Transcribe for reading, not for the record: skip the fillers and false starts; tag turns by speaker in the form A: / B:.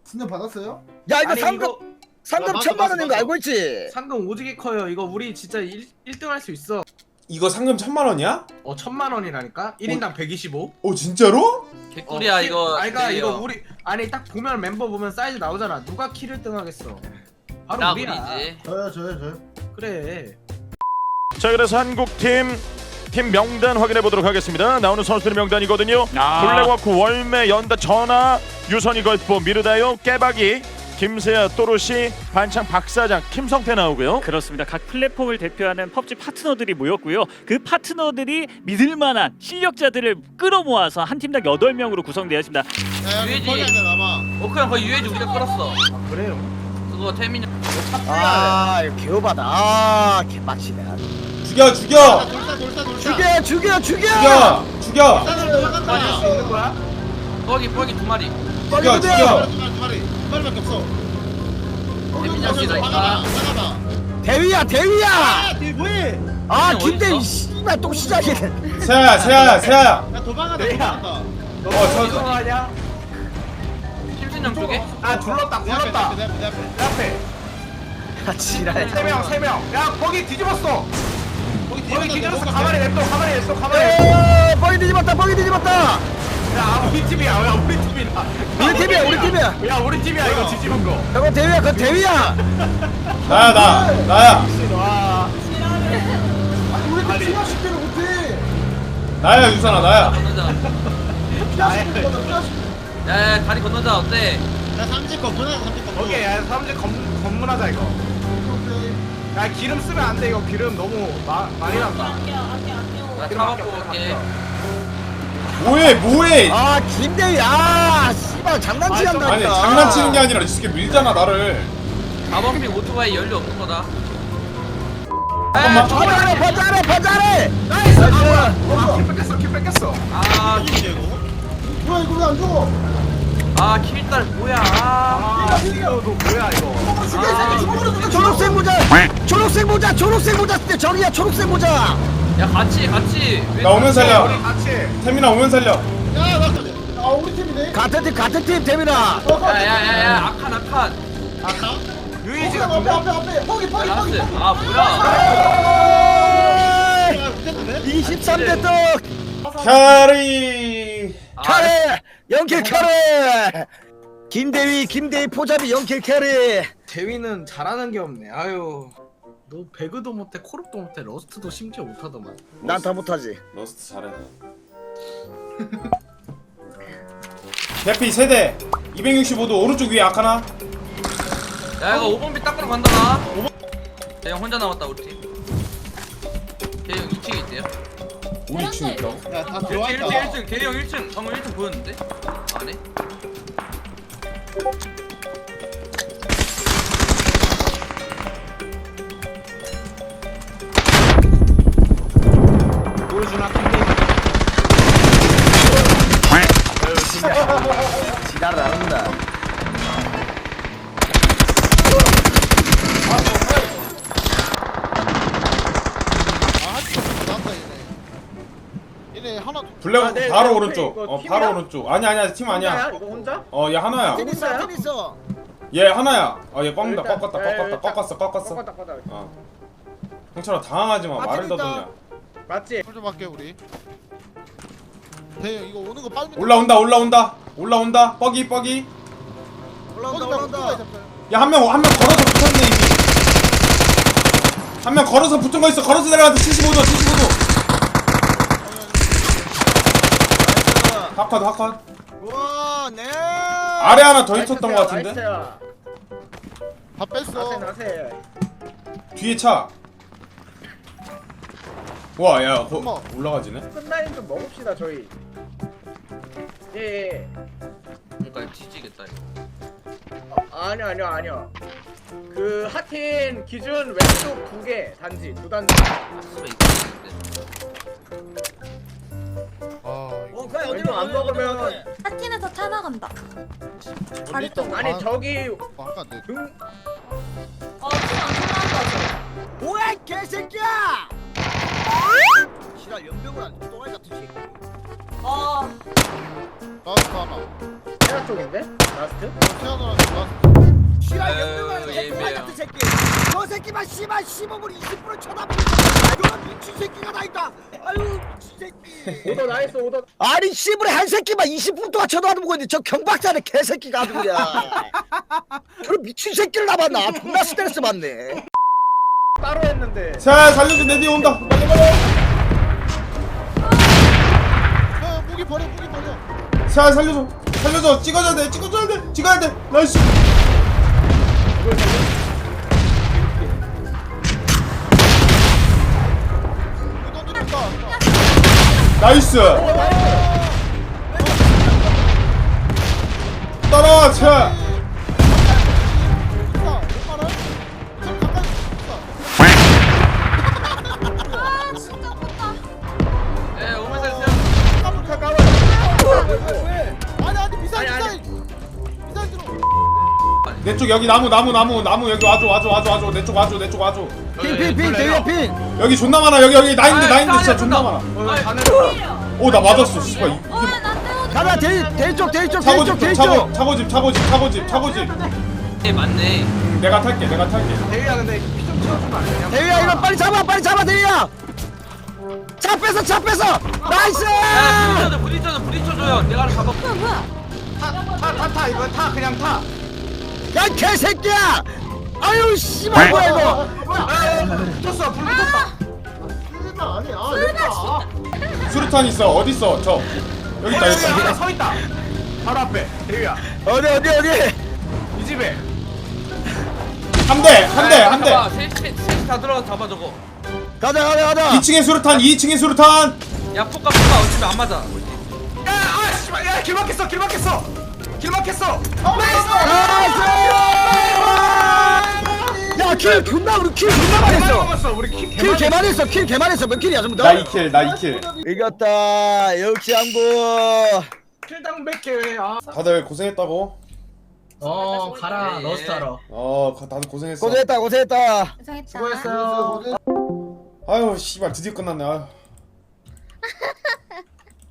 A: 진짜 받았어요?
B: 야 이거
C: 아니,
B: 상금
C: 이거
B: 상금
D: 맞아,
B: 1000만 원인 거
D: 맞아.
B: 알고 있지?
C: 상금 오지게 커요. 이거 우리 진짜 1등 할 수 있어.
E: 이거 상금 1000만원이야?
C: 1000만 원이라니까? 1인당 125?
E: 오 진짜로?
F: 개꿀이야 이거.
C: 아이가
F: 내려.
C: 이거 우리 아니 딱 보면 멤버 보면 사이즈 나오잖아. 누가 키를 등 하겠어? 바로
F: 나
C: 우리야.
F: 우리지.
A: 저요.
C: 그래.
G: 자, 그래서 한국팀 팀 명단 확인해 보도록 하겠습니다. 나오는 선수들의 명단이거든요. 블랙워크, 월매, 연다, 전하, 유선이 걸프, 미르다요, 깨박이, 김세아, 또르시, 반창, 박사장, 김성태 나오고요.
H: 그렇습니다. 각 플랫폼을 대표하는 펍지 파트너들이 모였고요. 그 파트너들이 믿을만한 실력자들을 끌어모아서 한 팀당 8명으로 구성되어 있습니다.
F: 유해지.
D: 남아.
F: 그냥 거의 유해지 우리가 끌었어.
C: 아, 그래요.
F: 그거 태민이.
B: 아 이거 개오바다. 아 개빡치네.
E: 죽여 죽여
B: 죽여 죽여 죽여.
E: 죽여
C: 빠질 수 있는 거야?
F: 뻐기 2마리.
E: 죽여 죽여
D: 두 마리밖에 없어.
F: 태민이 형이 나 있다.
B: 대위야 대위야.
D: 뭐해?
B: 아
F: 어디
B: 김대위
F: 있어?
B: 씨발 또 시작이네.
E: 세아야
D: 야 도망간다.
C: 너
E: 저-
C: 이거 아니야?
F: 김순영 쪽에?
C: 아 둘렀다.
D: 내 앞에,
C: 굴렀다.
D: 내 앞에, 내 앞에.
C: 내 앞에.
B: 아 지랄.
C: 3명. 야 거기 뒤집었어. 거기 뒤집었어. 가만히 냅둬. 가만히 냅둬.
B: 에 뻥이 뒤집었다 뻥이 뒤집었다.
C: 야 우리 팀이야. 야 우리 팀이다.
B: 우리 팀이야 우리 팀이야.
C: 야 우리 팀이야 이거 뒤집은 거.
B: 저거 대위야 그거 대위야.
E: 나야
C: 와.
A: 아니 우리
C: 아니.
A: 피아십 개를 못해.
E: 나야 유선아 나야
F: 건너자.
A: 피아십 개 받아 피아십.
F: 야야 다리 건너자 어때?
D: 야 삼집 거 보내 삼집 거.
C: 오케이. 야 사람들 검문하자 이거. 야 기름 쓰면 안 돼. 이거 기름 너무 많이 난다.
F: 나 타먹고 올게.
E: 뭐해
B: 아 김대위 아 씨발 장난치 한다니까.
E: 아니 장난치는 게 아니라 이렇게 밀잖아 나를
F: 4번핑 오토바이 연료 없는 거다.
E: 잠깐만.
B: 버자래 버자래 버자래.
C: 나이스.
B: 나이스.
C: 킬 뺏겼어.
F: 아,
A: 뭐야 이거 왜 안 죽어?
F: 아 킬달 뭐야? 아,
C: 이거 너 뭐야 이거?
B: 초록색 모자 초록색 모자 쓰대 저기야 초록색 모자.
F: 야 같이.
E: 나 오면 살려
C: 우리 같이.
E: 태민아 오면 살려
A: 아 우리 팀이네.
B: 같은 팀 대민아.
F: 야야야야 아칸.
C: 유이지가
A: 앞에 포기
F: 라스. 아 뭐야?
D: 야 웃겼네.
B: 23대 떡
E: 캐리
B: 캐리 연킬 캐리. 김대위 포잡이 연킬 캐리.
C: 대위는 잘하는 게 없네. 아유. 너 배그도 못해, 코르도 못해, 러스트도 심지어 못하더만.
B: 난 다 못하지.
E: 러스트 잘해 대피 세대 265도 오른쪽 위에 아카나
F: 야 이거 5번비 닦으러 간다 나. 대형 혼자 남았다 우리 팀. 대형 2층에 있대요.
E: 우리 2층 있다고?
D: 야다
F: 1층
D: 들어왔다.
F: 1층 대형 1층. 방금 1층 보였는데? 안 해?
C: 보여주나 킹데이.
B: 지랄을 안 한다.
D: 나왔다 얘네 하나.
E: 블랙
C: 네,
E: 바로
C: 네,
E: 오른쪽
C: 이거 팀이야?
E: 바로 오른쪽 아니야 팀 아니야
C: 이거 혼자?
E: 얘 하나야
B: 팀 있어.
E: 얘 하나야 얘 꺾는다
C: 일단,
E: 꺾었어
C: 꺾었다.
E: 형처럼 당황하지마
B: 아,
E: 말을
B: 재밌다.
E: 더듬냐
C: 맞지?
D: 풀좀 할게 우리. 대형 이거 오는 거 빨리.
E: 올라온다 뻐기
B: 올라온다.
E: 야 한 명 걸어서 붙었네 이미 한 명 걸어서 붙은 거 있어 걸어서 내려가서 75도 하컷
B: 우와 네.
E: 아래 하나 더 있었던 거 같은데
C: 나이스야.
D: 다 뺐어.
C: 나세.
E: 뒤에 차 와, 야,
D: 어머.
E: 올라가지네.
C: 끝라인 좀 먹읍시다 저희. 예.
F: 그러니까 뒤지겠다 이거.
C: 아니야. 그 하틴 기준 왼쪽 2개 단지 2단지.
F: 수가 있겠는데.
B: 그래
C: 왼쪽 안 먹으면
I: 하틴에서 차 나간다. 자리 쪽.
C: 아니 저기
D: 아까 안 돼.
C: 등
I: 팀안 끝난다.
B: 뭐야 개새끼야. 지랄 연병을 안 또라이 같은 새끼.
I: 어.
D: 라스트 하나.
B: 태아 쪽인데? 라스트?
D: 태어나는 라스트.
B: 씨발
F: 아유,
B: 연병하는 새끼
F: 예매요.
B: 말 같은 새끼 저 새끼만 씨발 15분 20분을 쳐다보고 저런 미친 새끼가 다 있다 아유 미친 새끼 오더 나이스 오더 아니 씨발에 한 새끼만 20분 동안 쳐다보고 있는데 저 경박사는 개새끼가 아주 그냥 저런 미친 새끼를 남았나 존나 스트레스 받네 따로 했는데
E: 자 살려줘 내 뒤에 온다 빨리 빨리
D: 야, 무기 버려, 무기 버려.
E: 자 살려줘 살려줘 찍어줘야 돼 찍어줘야 돼 찍어야 돼 나이스
D: 무기 던지는다.
E: 나이스 따라와 차
D: 있다. 얼마나? 좀 가까이 있다.
I: 아 진짜 컸다.
F: 예, 오면 살세요.
D: 아니, 미사일, 미사일. 미사일 들어.
E: 내 쪽 여기 나무 여기 와줘 내 쪽 와줘
B: 핑핑핑 대위야 핑
E: 여기 존나 많아 여기 나인데 진짜 존나 많아
C: 다 내려.
E: 오 나 맞았어 씨발
I: 어나 때려.
B: 가자 대위 쪽
E: 차고집
B: 대위 쪽
E: 차고집
F: 예, 맞네.
E: 내가 탈게
C: 대위야 근데 피 좀 채워주면 안 되냐?
B: 대위야 이거 빨리 잡아 대위야 차 뺏어 나이스
F: 야, 부딪혀줘요. 내가 잡아.
I: 뭐야?
C: 타 이거 타 그냥 타.
B: 야 개새끼야 아유 씨발 뭐야 이거
C: 붙었어 불 붙었다.
A: 일단 아니 아
E: 수류탄 있어 어딨어 저 여기 있다
C: 하나 서 있다. 바로 앞에 대위야.
B: 어디
C: 이 집에.
E: 한대
F: 잡아. 셋이 다 들어가 잡아 저거.
B: 가자
E: 2층에 수류탄
F: 야, 폭가 어차피 안 맞아.
C: 야, 씨발, 야, 길 막혔어.
B: 야킬 존나 우리 킬 존나 많이 했어
C: 먹었어. 우리 킬
B: 킬 개만 했어 몇 킬이야 전부
E: 나
B: 다
E: 2킬
B: 이겼다 역시 양보
C: 킬당 100개. 아.
E: 다들 고생했다고
F: 가라. 러스타러.
E: 다들 고생했어
B: 고생했다
I: 고생했다.
C: 수고했어요.
E: 아유 씨발 드디어 끝났네 아유.